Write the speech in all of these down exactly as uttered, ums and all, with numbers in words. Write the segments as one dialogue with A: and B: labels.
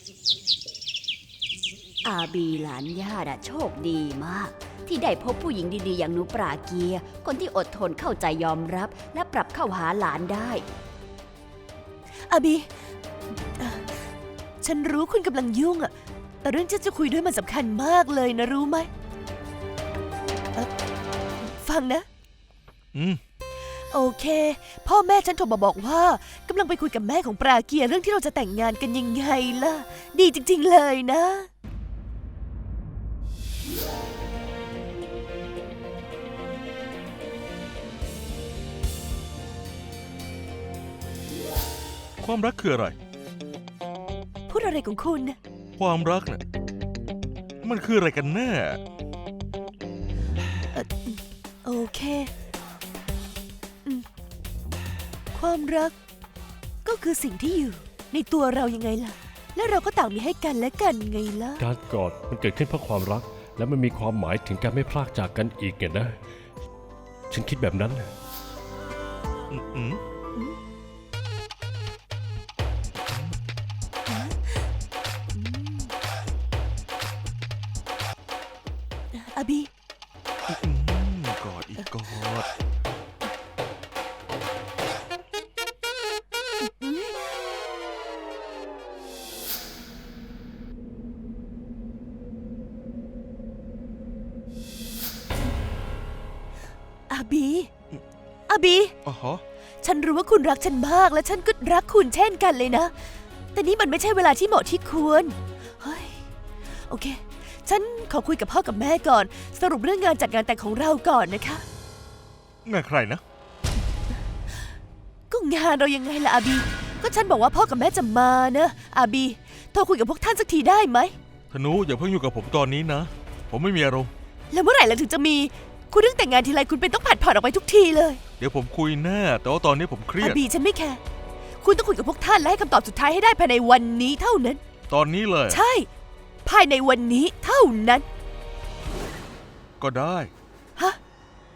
A: อาบีหลานย่าน่ะโชคดีมากที่ได้พบผู้หญิงดีๆอย่างหนูปราเกียร์คนที่อดทนเข้าใจยอมรับและปรับเข้าหาหลานได้
B: อาบีเอ่อฉันรู้คุณกำลังยุ่งอะแต่เรื่องที่จะคุยด้วยมันสำคัญมากเลยนะรู้ไหมเอ่อฟังนะ
C: อืม
B: โอเคพ่อแม่ฉันโทรมาบอกว่ากำลังไปคุยกับแม่ของปราเกียร์เรื่องที่เราจะแต่งงานกันยังไงล่ะดีจริงๆเลยนะ
C: ความรักคืออะไร
B: พูดอะไรของคุณนะ
C: ความรักเนี่ยมันคืออะไรกันแน่
B: เอ่อโอเคอืมความรักก็คือสิ่งที่อยู่ในตัวเรายังไงล่ะและเราก็ต่างมีให้กันและกันไงล่ะ
D: การกอดมันเกิดขึ้นเพราะความรักและมันมีความหมายถึงการไม่พลากจากกันอีกไงนะฉันคิดแบบนั้น
C: อืมอืม
B: อาบี
C: กอดอีกกอด
B: อาบีอาบี
C: อ๋อฮะ
B: ฉันรู้ว่าคุณรักฉันมากและฉันก็รักคุณเช่นกันเลยนะแต่นี่มันไม่ใช่เวลาที่เหมาะที่ควรเฮ้ยโอเคฉันขอคุยกับพ่อกับแม่ก่อนสรุปเรื่องงานจัดงานแต่งของเราก่อนนะคะ
C: งานใครนะ
B: ก็งานเรายังไงล่ะอาบีก็ฉันบอกว่าพ่อกับแม่จะมานะอาบีโทรคุยกับพวกท่านสักทีได้ไหม
C: ธนูอย่าเพิ่งอยู่กับผมตอนนี้นะผมไม่มีอารมณ์
B: แล้วเมื่อไหร่เราถึงจะมีคุณเรื่องแต่งงานทีไรคุณเป็นต้องผัดผ่อนออกไปทุกทีเลย
C: เดี๋ยวผมคุยแน่แต่ว่าตอนนี้ผมเครียด
B: อาบีฉันไม่แคร์คุณต้องคุยกับพวกท่านและให้คำตอบสุดท้ายให้ได้ภายในวันนี้เท่านั้น
C: ตอนนี้เลย
B: ใช่ภายในวันนี้เท่านั้น
C: ก็ได้
B: ฮะ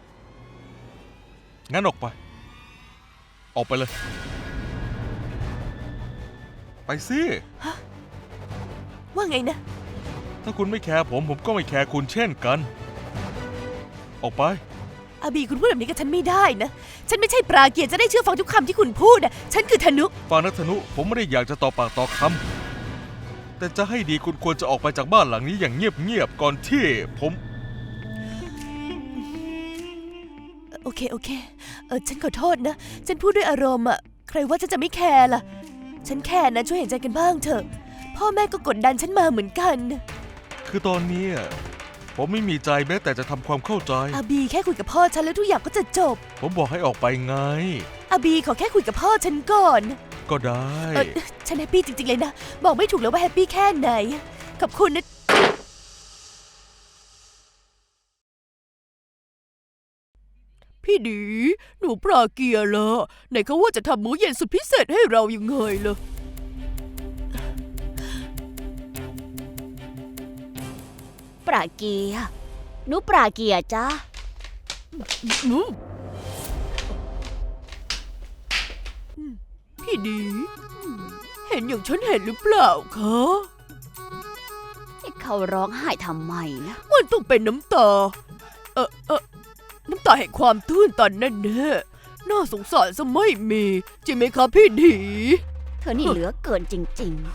C: งั้นออกไปออกไปเลยไปสิ
B: ฮะว่าไงนะ
C: ถ้าคุณไม่แคร์ผมผมก็ไม่แคร์คุณเช่นกันออกไป
B: อาบีคุณพูดแบบนี้กับฉันไม่ได้นะฉันไม่ใช่ปราเกียรติจะได้เชื่อฟังทุกคำที่คุณพูดนะฉันคือธนุ
C: ฟังนะธนุผมไม่ได้อยากจะต่อปากต่อคำแต่จะให้ดีคุณควรจะออกไปจากบ้านหลังนี้อย่างเงียบๆก่อนที่ผม
B: โอเคโอเคเออฉันขอโทษนะฉันพูดด้วยอารมณ์อะใครว่าฉันจะไม่แคร์ล่ะฉันแคร์นะช่วยเห็นใจกันบ้างเถอะพ่อแม่ก็กดดันฉันมาเหมือนกัน
C: คือตอนนี้ผมไม่มีใจแม้แต่จะทำความเข้าใจ
B: อาบีแค่คุยกับพ่อฉันแล้วทุกอย่างก็จะจบ
C: ผมบอกให้ออกไปไง
B: อาบีขอแค่คุยกับพ่อฉันก่อน
C: ก็ได้
B: เออฉันแฮปปี้จริงๆเลยนะบอกไม่ถูกเลยว่าแฮปปี้แค่ไหนขอบคุณนะพี่ดีหนูปราเกียร์ละไหนเขาว่าจะทำมื้อเย็นสุดพิเศษให้เรายังไงล่ะ
A: ปราเกียร์หนูปราเกียร์จ้า
B: พี่ดีเห็นอย่างฉันเห็นหรือเปล่าคะ
A: เขาร้องไห้ทำไมนะ
B: มันต้องเป็นน้ำตาเออเออน้ำตาแห่งความตื้นตันแน่แน่น่าสงสารซะไม่มีจริงไหมครับพี่ดี
A: เธอนี่เหลือเกินจริงๆ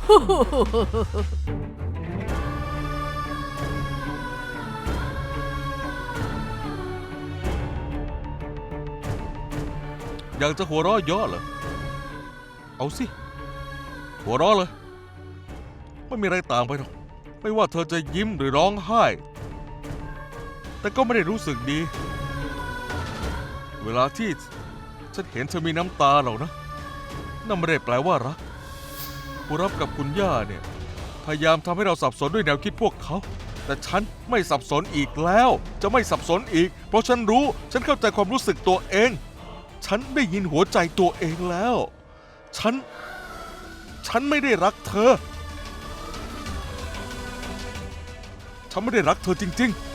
C: อยากจะหัวเราะเยอะเหรอเอาสิหัวเราะเลยไม่มีอะไรต่างไปหรอกไม่ว่าเธอจะยิ้มหรือร้องไห้แต่ก็ไม่ได้รู้สึกดีเวลาที่ฉันเห็นเธอมีน้ำตาหรอกนะนั่นไม่ได้แปลว่ารักผู้รับกับคุณย่าเนี่ยพยายามทำให้เราสับสนด้วยแนวคิดพวกเขาแต่ฉันไม่สับสนอีกแล้วจะไม่สับสนอีกเพราะฉันรู้ฉันเข้าใจความรู้สึกตัวเองฉันได้ยินหัวใจตัวเองแล้วฉันฉันไม่ได้รักเธอฉันไม่ได้รักเธอจริงๆ